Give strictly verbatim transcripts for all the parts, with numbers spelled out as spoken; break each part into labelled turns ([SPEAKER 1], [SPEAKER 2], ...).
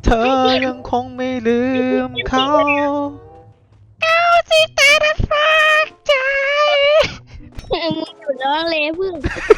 [SPEAKER 1] เธอยังคงไม่ลืมเขาเอาสิตาดันฝากใจ
[SPEAKER 2] มึงอยู่ร้องเลยพึ่ง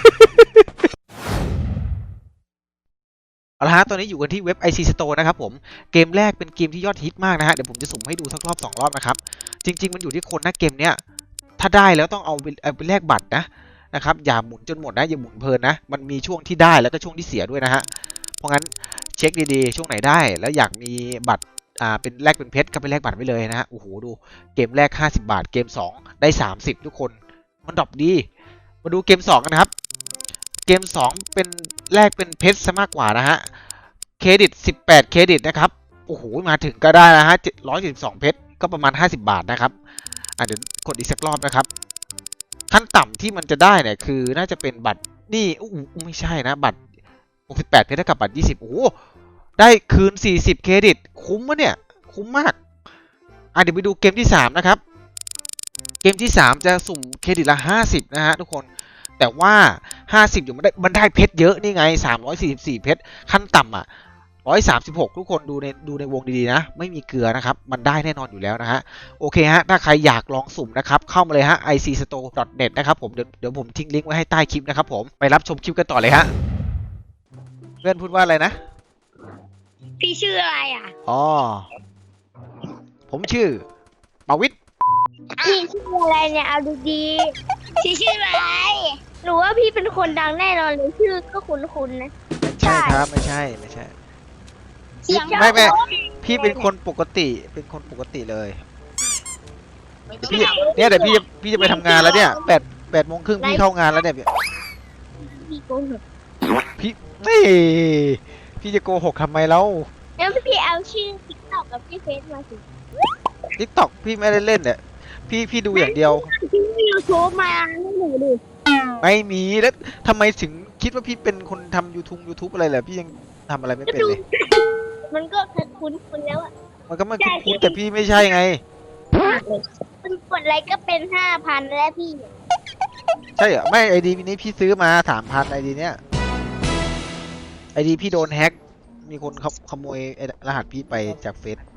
[SPEAKER 1] เอาละฮะตอนนี้อยู่กันที่เว็บ ไอ ซี Store นะครับผมเกมแรกเป็นเกมที่ยอดฮิตมากนะฮะเดี๋ยวผมจะสุ่มให้ดูสักรอบสองรอบนะครับจริงๆมันอยู่ที่คนนะเกมเนี้ยถ้าได้แล้วต้องเอาไปเอาไปแลกบัตรนะนะครับอย่าหมุนจนหมดนะอย่าหมุนเพลินนะมันมีช่วงที่ได้แล้วก็ช่วงที่เสียด้วยนะฮะเพราะงั้นเช็คดีๆช่วงไหนได้แล้วอยากมีบัตรอ่าเป็นแลกเป็นเพชรก็ไปแลกบัตรไว้เลยนะฮะโอ้โหดูเกมแรกห้าสิบบาทเกมสองได้สามสิบทุกคนมันดรอปดีมาดูเกมสองกันนะครับเกมสองเป็นแลกเป็นเพชรซะมากกว่านะฮะเครดิตสิบแปดเครดิตนะครับโอ้โหมาถึงก็ได้นะฮะหนึ่งร้อยเจ็ดสิบสองเพชรก็ประมาณห้าสิบบาทนะครับอ่ะเดี๋ยวกดอีกสักรอบนะครับขั้นต่ำที่มันจะได้เนี่ยคือน่าจะเป็นบัตรนี่อู้ไม่ใช่นะบัตรหกสิบแปดเพชรเท่ากับบัตรยี่สิบโอ้โหได้คืนสี่สิบเครดิตคุ้มมะเนี่ยคุ้มมากอ่ะเดี๋ยวไปดูเกมที่สามนะครับเกมที่สามจะสุ่มเครดิตละห้าสิบนะฮะทุกคนแต่ว่าห้าสิบอยู่มันได้มันได้เพชรเยอะนี่ไงสามร้อยสี่สิบสี่เพชรขั้นต่ำอ่ะหนึ่งร้อยสามสิบหกทุกคนดูในดูในวงดีๆนะไม่มีเกลือนะครับมันได้แน่นอนอยู่แล้วนะฮะโอเคฮะถ้าใครอยากลองสุ่มนะครับเข้ามาเลยฮะ ไอ ซี สโตร์ ดอท เน็ต นะครับผมเดี๋ยวเดี๋ยวผมทิ้งลิงก์ไว้ให้ใต้คลิปนะครับผมไปรับชมคลิปกันต่อเลยฮะเพื่อนพูดว่าอะไรนะ
[SPEAKER 2] พี่ชื่ออะไรอ่ะ
[SPEAKER 1] อ๋อผมชื่อปวิทย์
[SPEAKER 2] พี่ชื่ออะไรเนี่ยเอาดูดีพี่ชื่ออะไรหรือว่าพี่เป็นคนดังแน่นอนเลยชื่อก็คุ้นๆนะ
[SPEAKER 1] ไม่ใช่ครับไม่ใช่ไม่ใช่
[SPEAKER 2] เสียง
[SPEAKER 1] ไม่ไม่พี่เป็นคนปกติเป็นคนปกติเลยพี่เนี่ยเดี๋ยวพี่จะพี่จะไปทำงานแล้วเนี่ยแปดแปดโมงครึ่งพี่เข้างานแล้วเนี่ย
[SPEAKER 2] พี่โกหก
[SPEAKER 1] พี่ไม่พี่จะโกหกทำไมแล้ว
[SPEAKER 2] แล้วพี่เอาชื่อติ๊กต็อกกับพี่เฟซมาสิ
[SPEAKER 1] ติ๊กต็อกพี่ไม่ได้เล่นเนี่ยพี่พี่ดูอย่างเดียว
[SPEAKER 2] พี่ยูทูบมาให้หนูดู
[SPEAKER 1] ไม่มีแล้วทำไมถึงคิดว่าพี่เป็นคนทำยูทูบยูทูบอะไรเหรอพี่ยังทำอะไรไม่เป็นเลย
[SPEAKER 2] มันก็คุ้นคุ้นแล้วอ่ะ
[SPEAKER 1] มันก็ไม่คุ้นแต่พี่ไม่ใช่ไง
[SPEAKER 2] มันกดไลค์ก็เป็นห้าพันแล้วพี่
[SPEAKER 1] ใช่เหรอไม่ไอดีนี้พี่ซื้อมาสามพันไอดีเนี้ยไอดีพี่โดนแฮ็กมีคนขโมยรหัสพี่ไปจากเฟซ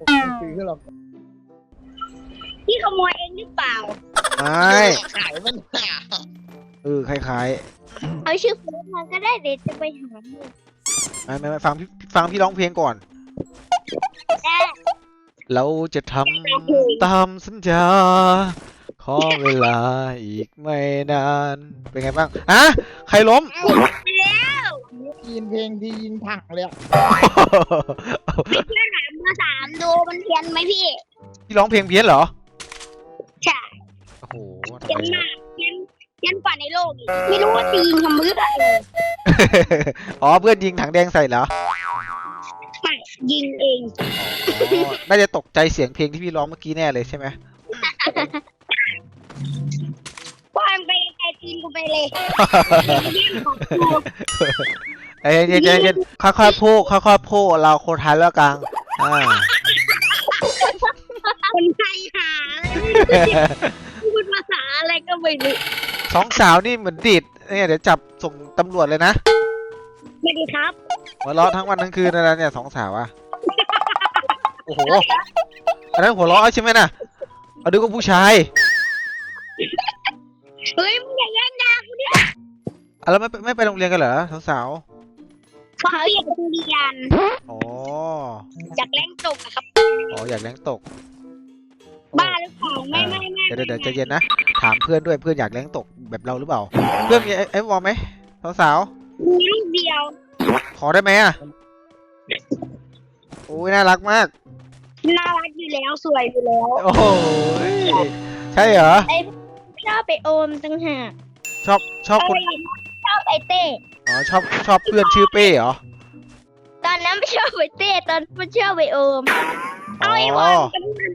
[SPEAKER 2] พี่ขโมยเองหรือเปล่า
[SPEAKER 1] ไม่ขายมันเออคล้าย
[SPEAKER 2] ๆเอาชื่อเฟซมาก็ได้เดี๋ยวจะไปหา
[SPEAKER 1] ไม่ไม่ฟังพี่ฟังพี่ร้องเพลงก่อนเราจะทำตามสัญญาขอเวลาอีกไม่นานเป็นไงบ้างอะใครล้ม
[SPEAKER 2] แล้ว
[SPEAKER 3] ยินเพลงที่ยินถังเลย
[SPEAKER 2] ไม่เชื่อถามมาสามดูมันเพี้ยนไหมพี่
[SPEAKER 1] พี่ร้องเพลงเพี้ยนเหรอ
[SPEAKER 2] ใช่
[SPEAKER 1] โอ้โห
[SPEAKER 2] เพี้ยนมากเพี้ยนเพี้ยนกว่าในโลกอีกไม่รู้ว่าตีทำมืออะไร
[SPEAKER 1] อ๋อเพื่อนยิงถังแดงใส่เหรอ
[SPEAKER 2] ไม่ยิงเอง
[SPEAKER 1] น่าจะตกใจเสียงเพลงที่พี่ร้องเมื่อกี้แน่เลยใช่ไหม
[SPEAKER 2] ว่าไปไกลตีนกูไปเลย
[SPEAKER 1] เอ้ยเย็นเย็นค่อยๆพูดค่อยๆพูดเราโคไทยแล้วกลางอ่า
[SPEAKER 2] คนไทยหาพูดภาษาอะไรก็ไม่รู้
[SPEAKER 1] สองสาวนี่เหมือนดิดเนี่ยเดี๋ยวจับส่งตำรวจเลยนะ
[SPEAKER 2] ไม่ดีครับ
[SPEAKER 1] หัวเราะทั้งวันทั้งคืนนะเนี่ยสองสาวอะโอ้โหอันนั้นหัวเราะใช่ไหมน่ะเอาดูกับผู้ชาย
[SPEAKER 2] เฮ้ยมึงอย่าแย่งยากูดิ
[SPEAKER 1] แล้วไม่ไม่ไปโรงเรียนกันเหรอสาว
[SPEAKER 2] ๆเขาอยากไปเรียน
[SPEAKER 1] อ๋อ
[SPEAKER 2] อยากแรงตกครับ
[SPEAKER 1] อ๋ออยากแรงตก
[SPEAKER 2] บ้าหรือเปล่าไม่ไม่ไม่
[SPEAKER 1] เดี๋ยวเดี๋ยวใจเย็นนะถามเพื่อนด้วยเพื่อนอยากแรงตกแบบเราหรือเปล่าเพื่อนมีไอ้วอลไหมสาว
[SPEAKER 2] มีลูกเดียว
[SPEAKER 1] ขอได้ไหมอะโอ้ยน่ารักมาก
[SPEAKER 2] น่ารักอยู่แล้วสวยอยู่แล้ว
[SPEAKER 1] โอ้โหใช่เหรอ
[SPEAKER 2] ไอชอบไปโอมตั้งหาก
[SPEAKER 1] ชอบชอบคน
[SPEAKER 2] ชอบไอเต้
[SPEAKER 1] อ๋อชอบชอบเพื่อนชื่อเป้เหรอ
[SPEAKER 2] ตอนนั้นไม่ชอบไอเต้ตอนไม่ชอบไอโอมเอาไอโอม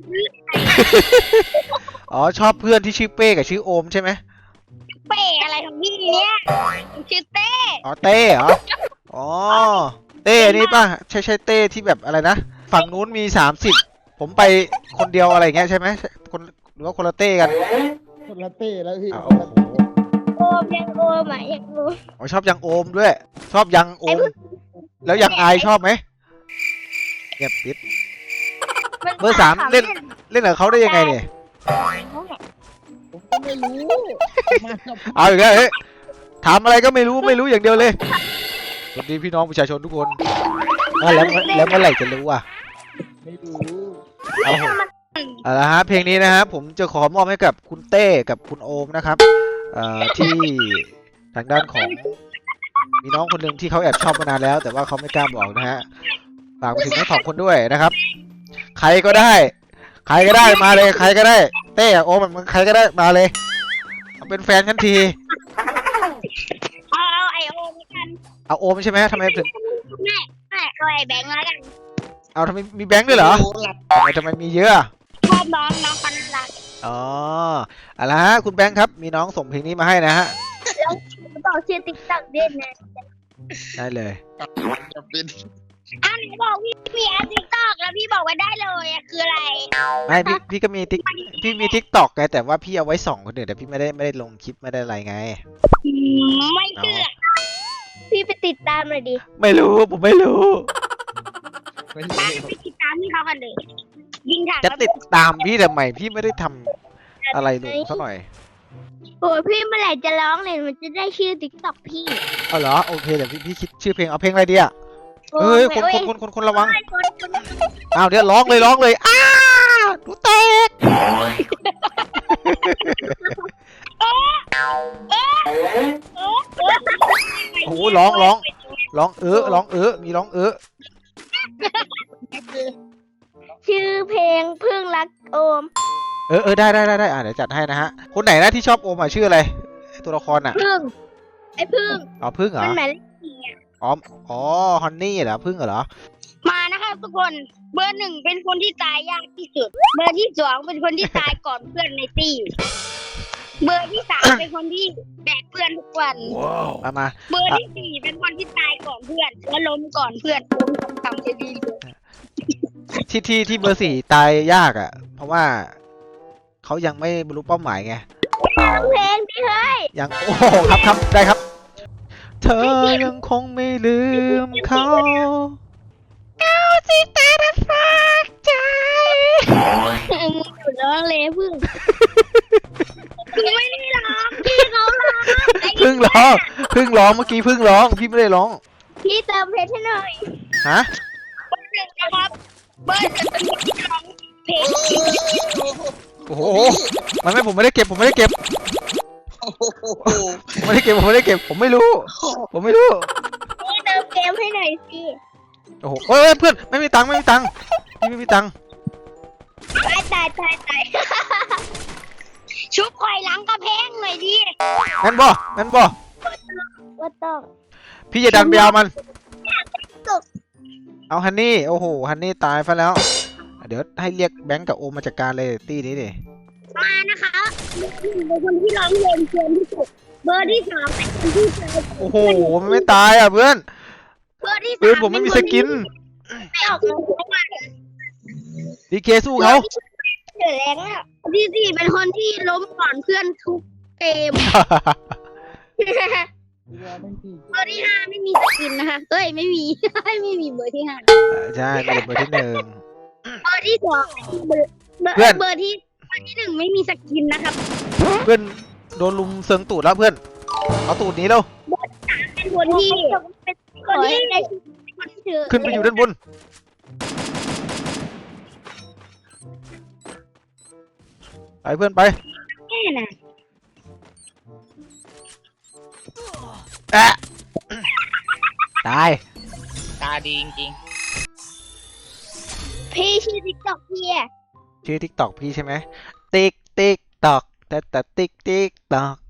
[SPEAKER 1] อ๋อชอบเพื่อนที่ชื่อเป้กับชื่อโอมใช่ไหม
[SPEAKER 2] เป้อะไรของพี่เนี่ยชื่อเต้
[SPEAKER 1] อ๋อเต้เหรออ๋อเต้นี่ป่ะใช่ใช่เต้ที่แบบอะไรนะฝั่งนู้นมีสามสิบผมไปคนเดียวอะไรเงี้ยใช่ไหมคนหรือว่าคนละเต้กัน
[SPEAKER 3] คนละเต้แล้วพี่
[SPEAKER 2] โอมยังโอมอ่ะยังโอม
[SPEAKER 1] อ๋อชอบยังโอมด้วยชอบยังโอมแล้วยังอายชอบไหมเงียบปิด
[SPEAKER 2] มัน
[SPEAKER 1] เบอร์สามเล่น เล่นกับเขาได้ยังไงเนี่ย
[SPEAKER 3] ผมก็ไม่รู้มากับ
[SPEAKER 1] เอาอีกแล้วเฮ้ยถามอะไรก็ไม่รู้ไม่รู้อย่างเดียวเลยสวัสดีพี่น้องประชาชนทุกคนอ่ะแล้วแล้วเมื่อไหร่จะรู้อ่ะ
[SPEAKER 3] ไม่รู้
[SPEAKER 1] เอาเถอะเอาละฮะเพลงนี้นะครับผมจะขอมอบให้กับคุณเต้กับคุณโอมนะครับเอ่อที่ทางด้านของมีน้องคนหนึ่งที่เขาแอบชอบมานานแล้ว แต่ว่าเขาไม่กล้าบอกนะฮะฝากไปถึงทั้งสองคนด้วยนะครับ ใครก็ได้ ใครก็ได้มาเลย ใครก็ได้ เต้โอมมันใครก็ได้มาเลยเอาเป็นแฟนกันที
[SPEAKER 2] เอาเอาไอโอมกัน
[SPEAKER 1] เอาโอมใช่ไหมทำไมถึง
[SPEAKER 2] แม่แม่เอาไอแบงค์แล้วกัน
[SPEAKER 1] เอาทำไมมีแบงค์ด้วยเหรอ
[SPEAKER 3] โอ้หลับ
[SPEAKER 1] ทำไมทำไมมีเยอะอะ
[SPEAKER 2] ชอบน้องน้องคนน่ารัก
[SPEAKER 1] อ๋อเอาละฮะคุณแบงค์ครับมีน้องส่งเพลงนี้มาให้นะฮะ
[SPEAKER 2] แล้วบอกชื่อติ๊กต็อกด้วยนะ
[SPEAKER 1] ได้เลย
[SPEAKER 3] จะเป็น
[SPEAKER 2] อ้าวไหนบอกพี่มีแอปติ๊กต็อกแล้วพี่บอกว่าได้เลยอะคืออะไร
[SPEAKER 1] ไม่พี่พี่ก็มีทิกพี่มีทิกตอกไงแต่ว่าพี่เอาไว้ส่องคนอื่นแต่พี่ไม่ได้ไม่ได้ลงคลิปไม่ได้อะไรไง
[SPEAKER 2] อืมไม่เชื่อพี่ไปติดตามเลยดิ
[SPEAKER 1] ไม่รู้ผมไม่รู้
[SPEAKER 3] ไม่
[SPEAKER 2] ตาม
[SPEAKER 3] รู้
[SPEAKER 2] ไปติดตามที่เขากันเลยยิงถัง
[SPEAKER 1] จะติดตามพี่ทำไมพี่ไม่ได้ทำอะไรลงสักหน่อย
[SPEAKER 2] โอ้ยพี่เมื่อไหร่จะร้องเลยมันจะได้ชื่อติ๊กต็อกพี่
[SPEAKER 1] เอาเหรอโอเคเดี๋ยวพี่พี่คิดชื่อเพลงเอาเพลงอะไรดีอ่ะเฮ้ยคนคนคนคนคนระวังอ้าวเดี๋ยวร้องเลยร้องเลยอ้าดูแตกโอ้โหร้องร้องร้องเออร้องเออมีร้องเออ
[SPEAKER 2] ชื่อเพลงพึ่งรักโอม
[SPEAKER 1] เออเออได้ได้ได้ได้อ่ะเดี๋ยวจัดให้นะฮะคนไหนนะที่ชอบโอมอ่ะชื่ออะไรตัวละครอ่ะ
[SPEAKER 2] พึ่งไอ้พึ่ง
[SPEAKER 1] อ๋อพึ่งเหร
[SPEAKER 2] มั
[SPEAKER 1] อน
[SPEAKER 2] หมายเลขสี่อะ
[SPEAKER 1] อ๋ออ๋อฮอนนี่เหรอพึ่งเหรอ
[SPEAKER 2] มานะคะทุกคนเบอร์หนึ่งเป็นคนที่ตายยากที่สุด เบอร์ที่สองเป็นคนที่ตายก่อนเพื่อนในตี้เบอร์ที่สามเป็นคนที่แบกเพื่อนทุกวัน
[SPEAKER 1] มามา
[SPEAKER 2] เบอร์ที่สี่เป็นคนที่ตายก่อนเพื่อนและล้มก่อนเพื่อนล้มทำจะดีเลย
[SPEAKER 1] ที่ที่ที่เบอร์สี่ตายยากอ่ะ เพราะว่าเขายังไม่บรรลุเป้าหมายไง
[SPEAKER 2] เพลงดิเฮ้ย
[SPEAKER 1] ยังโอ้โหครับครับได้ครับ เธอยังคงไม่ลืมเขาเอาสิตาดัฝากใจ
[SPEAKER 2] มึงอยู่ร้องเลยพึ่งกูไม่ได้ร้องพี่เขาร้อง
[SPEAKER 1] พึ่งร้องพึ่งร้องเมื่อกี้พึ่งร้องพี่ไม่ได้ร้อง
[SPEAKER 2] พี่เติมเพลงให้หน่อย
[SPEAKER 1] ฮะ
[SPEAKER 2] เบอร์หนึ่งนะครับเบอร์หนึ่งเป็นคนที่ร้องเพลง
[SPEAKER 1] โอ้โหมันไม่ผมไม่ได้เก็บผมไม่ได้เก็บ
[SPEAKER 3] โอ้โห
[SPEAKER 1] ผมไม่ได้เก็บผมไม่ได้เก็บผมไม่รู้ ผมไม่รู้
[SPEAKER 2] พี่เติมเกมให้หน่อยสิ
[SPEAKER 1] โอ้โหเอ้ยเพื่อนไม่มีตังค์ไม่มีตังค์พี่ไม่มีตังค์
[SPEAKER 2] ตายตายตายตายชุบคอยหลังกระเพงหน่อยดิ
[SPEAKER 1] งั้นบ่งั้นบ่
[SPEAKER 2] ว่าต้อง
[SPEAKER 1] พี่จะดันไปเอามัน
[SPEAKER 2] ตก
[SPEAKER 1] เอาฮันนี่โอ้โหฮันนี่ตายไปแล้ว เดี๋ยวให้เรียกแบงก์กับโอมมาจัดการเลยตี้นี้ดิ
[SPEAKER 2] มานะคะเบอร์หนึ่งเป็นคนที่ร้องเพลงเกินที่สุดเบอร์ที่สองเป็นคนที่ตาย
[SPEAKER 1] โอ้โหมันไม่ตายอ่ะเพื่อน
[SPEAKER 2] เบอร์ที่สาม
[SPEAKER 1] เพื่อนผมไม่มีสกิน
[SPEAKER 2] ไม่ออกมาเพราะว่า
[SPEAKER 1] ดีเคสู้เขา
[SPEAKER 2] เดือดแรงอ่ะที่สี่เป็นคนที่ล้มก่อนเพื่อนทุกเกม
[SPEAKER 3] เรือไม่กี่
[SPEAKER 2] เบอร์ที่ห้าไม่มีสกินนะคะเอ้ยไม่มี ไม่มีเบอร์ที่ห้า
[SPEAKER 1] ใช่มีเบอร์ที่หนึ่ง
[SPEAKER 2] เบอร์ที่สองเบอร์เบอร์
[SPEAKER 1] เพื่อน
[SPEAKER 2] เบอร์ที่เบอร์ที่หนึ่งไม่มีสกินนะครับ
[SPEAKER 1] เพื่อนโดนลุมเซิงตูดแล้วเพื่อนเอาตูดหนี้แล้ว
[SPEAKER 2] เป็นคนที่เป็นคนที่ได้คนที่ถือ
[SPEAKER 1] ขึ้นไปอยู่ด้านบนไปเพื่อนไป
[SPEAKER 2] แค่น่ะ
[SPEAKER 1] แอะตาย
[SPEAKER 3] ตาดีจริง
[SPEAKER 2] พี่ชื่อติ๊กต็อกพี่อะ
[SPEAKER 1] ชื่อทิกตอกพี่ใช่ไหมติ๊กติ๊กตอกแต่แต่ติ๊กติ๊กตอก